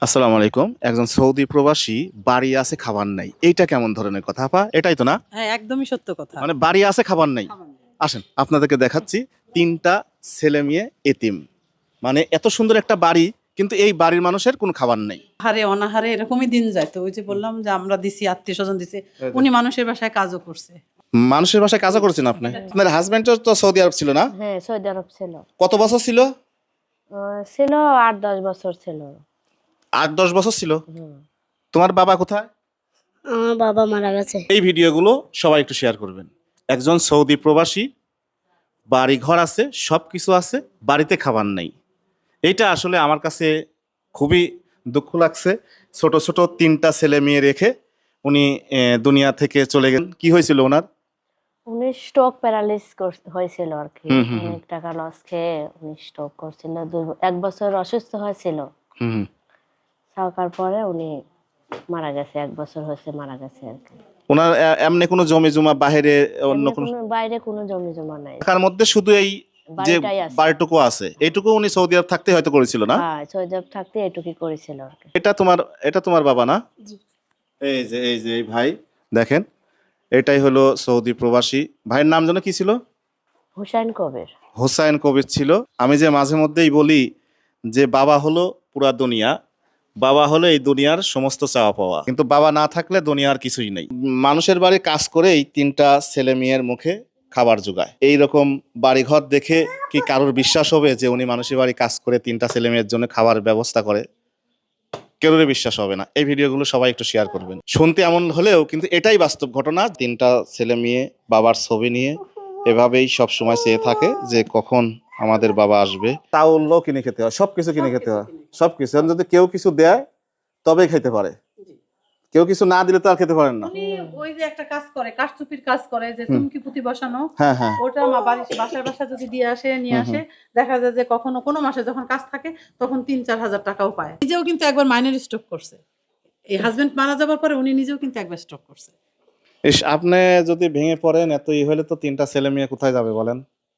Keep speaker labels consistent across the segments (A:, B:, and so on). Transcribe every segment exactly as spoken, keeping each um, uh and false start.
A: আসসালামু আলাইকুম। একজন সৌদি প্রবাসী বাড়ি আছে খাবার নাই। এইটা কেমন ধরনের কথা আপা? এটাই তো না?
B: হ্যাঁ, একদমই সত্য কথা।
A: মানে বাড়ি আছে খাবার নাই। আসেন আপনাদেরকে দেখাচ্ছি তিনটা ছেলে মেয়ে এতিম। মানে এত সুন্দর একটা বাড়ি কিন্তু এই বাড়ির মানুষের কোনো খাবার নেই।
B: হারে অনাহারে এরকমই দিন যায়। তো ওই যে বললাম যে আমরা দিছি, আত্মীয়-স্বজন দিছে।
A: এই যে।
B: উনি মানুষের বাসায় কাজও করছে।
A: মানুষের বাসায় কাজও করেছেন আপনি? আপনার হাজবেন্ড তো সৌদি আরব ছিল না?
C: হ্যাঁ, সৌদি আরব ছিল।
A: কত বছর ছিল?
C: আহ, ছিল আট দশ বছর ছিল।
A: আট দশ বছর ছিল।
C: হুম।
A: তোমার বাবা কোথায়?
C: আমার বাবা মারা গেছে।
A: এই ভিডিওগুলো সবাই একটু শেয়ার করবেন। একজন সৌদি প্রবাসী বাড়ি ঘর আছে, সব কিছু আছে, বাড়িতে খাবার নেই। এইটা আসলে আমার কাছে খুবই দুঃখ লাগছে। ছোট ছোট তিনটা ছেলে মেয়ে রেখে উনি আহ, দুনিয়া থেকে চলে গেলেন। কি হয়েছিল ওনার?
C: উনি স্ট্রোক প্যারালিস হয়েছিল আর কি।
A: হুম, হুম, হুম।
C: অনেক টাকা লস খেয়ে উনি স্ট্রোক করছিল। দু- এক বছর অসুস্থ হয়েছিল।
A: হুম হুম।
C: থাকার পরে উনি মারা গেছে। এক বছর হয়েছে মারা গেছে আর কি।
A: ওনার আহ, এমনি কোনো জমি জমা বাহিরে অন্য
C: এমনি
A: কোনো
C: কোনো বাইরে কোনো জমি জমা নাই।
A: টাকার মধ্যে শুধু এই যে
C: বাড়িটাই আছে।
A: বাড়িটুকু আছে, এইটুকু উনি সৌদি আরব থাকতে হয়তো করেছিল না?
C: হ্যাঁ, সৌদি আরব থাকতে এটুকুই করেছিল আর কি।
A: এটা তোমার এটা তোমার বাবা না? এই যে এই যে এই ভাই দেখেন, এটাই হলো সৌদি প্রবাসী ভাইয়ের নাম যেন কি ছিল?
C: হুসাইন কবির।
A: হোসাইন কবির ছিল। আমি যে মাঝে মধ্যেই বলি যে বাবা হলো পুরা দুনিয়া, বাবা হলো এই দুনিয়ার সমস্ত চাওয়া পাওয়া, কিন্তু বাবা না থাকলে দুনিয়ার কিছুই নেই। মানুষের বাড়ি কাজ করে এই তিনটা ছেলে মেয়ের মুখে খাবার জোগায়। এইরকম বাড়িঘর দেখে কি কারোর বিশ্বাস হবে যে উনি মানুষের বাড়ি কাজ করে তিনটা ছেলে মেয়ের জন্য খাবার ব্যবস্থা করে? কেউরে বিশ্বাস হবে না। এই ভিডিওগুলো সবাই একটু শেয়ার করবেন। শুনতে এমন হলেও কিন্তু এটাই বাস্তব ঘটনা। তিনটা ছেলে মেয়ে বাবার ছবি নিয়ে এভাবেই সব সময় চেয়ে থাকে যে কখন আমাদের বাবা আসবে। তাওলও কিনে খেতে হয়, সবকিছু কিনে খেতে হয়, সবকিছু। এখন যদি কেউ কিছু দেয় তবেই খেতে পারে, কেউ কিছু না দিলে তো আর খেতে পারেন না।
B: উনি ওই যে একটা কাজ করে, কাঠচুপির কাজ করে, যে
A: হুম।
B: চুমকি পুঁতি বসানো।
A: হ্যাঁ হ্যাঁ।
B: ওটা আমার বাড়ির বাসায় বাসা যদি দিয়ে আসে, নিয়ে
A: হুম,
B: আসে, দেখা যায় যে কখনো কোনো মাসে যখন কাজ থাকে তখন তিন চার হাজার টাকাও পায়। নিজেও কিন্তু একবার মাইনের স্ট্রোক করছে। এই হাজবেন্ড মারা যাবার পরে উনি নিজেও কিন্তু একবার স্ট্রোক করছে।
A: ইস, আপনি যদি ভেঙে পড়েন এত ই হলে তো তিনটা ছেলে মেয়ে কোথায় যাবে বলেন?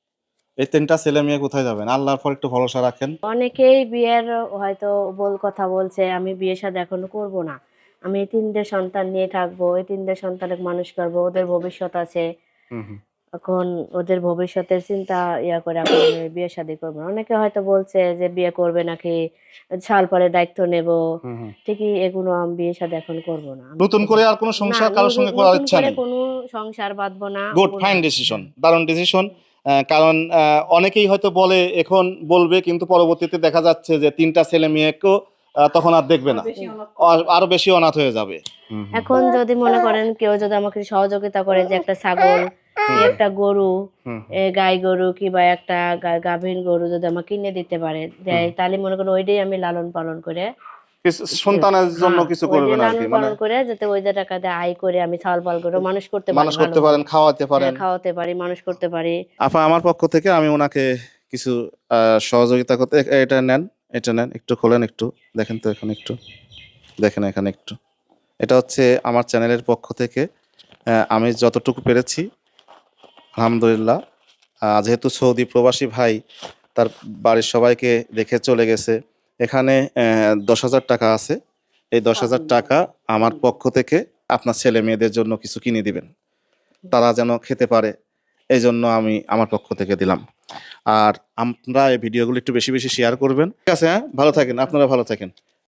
A: এই তিনটা ছেলে মেয়ে কোথায় যাবেন? আল্লাহর পর একটু ভরসা রাখেন।
C: অনেকেই বিয়ের হয়তো বল কথা বলছে, আমি বিয়ে শাদী এখনো করব না, আমি এই তিনটে সন্তান নিয়ে থাকবো, এই তিনটে সন্তানের মানুষ করবো, ওদের ভবিষ্যৎ আছে।
A: হুম হুম।
C: এখন ওদের ভবিষ্যতের চিন্তা ইয়া করে এখন আমি বিয়ে শাদী করবো না। অনেকে হয়তো বলছে যে বিয়ে করবে নাকি, সাল পরে দায়িত্ব নেব।
A: হুম হুম।
C: ঠিকই, এগুলো আমি বিয়ে শাদী এখন করবো না। আমি
A: নতুন করে আর কোনো
C: না,
A: সংসার কারোর সঙ্গে করার
C: নতুন
A: ইচ্ছা
C: করে
A: নেই।
C: কোনো সংসার বাঁধবো না।
A: গুড,
C: কোনো-
A: ফাইন ডিসিশন, দারুণ ডিসিশন। কারণ আহ, অনেকেই হয়তো বলে এখন বলবে, কিন্তু পরবর্তীতে দেখা যাচ্ছে যে তিনটা ছেলে মেয়েকেও আহ, তখন আর দেখবে না,
B: বেশি অনাথ
A: আর- আরো বেশি অনাথ হয়ে যাবে।
C: এখন যদি মনে করেন কেউ যদি আমাকে সহযোগিতা করে যে একটা ছাগল কি একটা গরু,
A: হুম।
C: এ, গাই গরু কিংবা একটা গা- গাভীন গরু যদি আমাকে কিনে দিতে পারে দেয়, তাহলে মনে করেন ওইটাই আমি লালন পালন করে
A: কিছু সন্তানের জন্য
C: হ্যাঁ,
A: কিছু
C: ওই যে
A: করবেন আর কি,
C: লালন
A: মানে
C: পালন করে যাতে ওই যে টাকা দিয়ে আয় করে আমি ছাল পাল করে মানুষ করতে পারি,
A: মানুষ করতে
C: ভালোভাবে।
A: পারেন, খাওয়াতে পারেন।
C: হ্যাঁ, খাওয়াতে পারি, মানুষ করতে পারি।
A: আপা, আমার পক্ষ থেকে আমি ওনাকে কিছু আহ, সহযোগিতা করতে, এ- এটা নেন, এটা নেন, একটু খোলেন, একটু দেখেন তো, এখানে একটু দেখেন, এখানে একটু। এটা হচ্ছে আমার চ্যানেলের পক্ষ থেকে আহ, আমি যতটুকু পেরেছি আলহামদুলিল্লাহ। আহ, যেহেতু সৌদি প্রবাসী ভাই তার বাড়ির সবাইকে রেখে চলে গেছে, এখানে আহ, দশ হাজার টাকা আছে। এই দশ হাজার টাকা আমার পক্ষ থেকে আপনার ছেলে মেয়েদের জন্য কিছু কিনে দিবেন, তারা যেন খেতে পারে, এই জন্য আমি আমার পক্ষ থেকে দিলাম। আর আপনারা এই ভিডিওগুলো একটু বেশি বেশি শেয়ার করবেন, ঠিক আছে? হ্যাঁ, ভালো থাকেন, আপনারা ভালো থাকেন।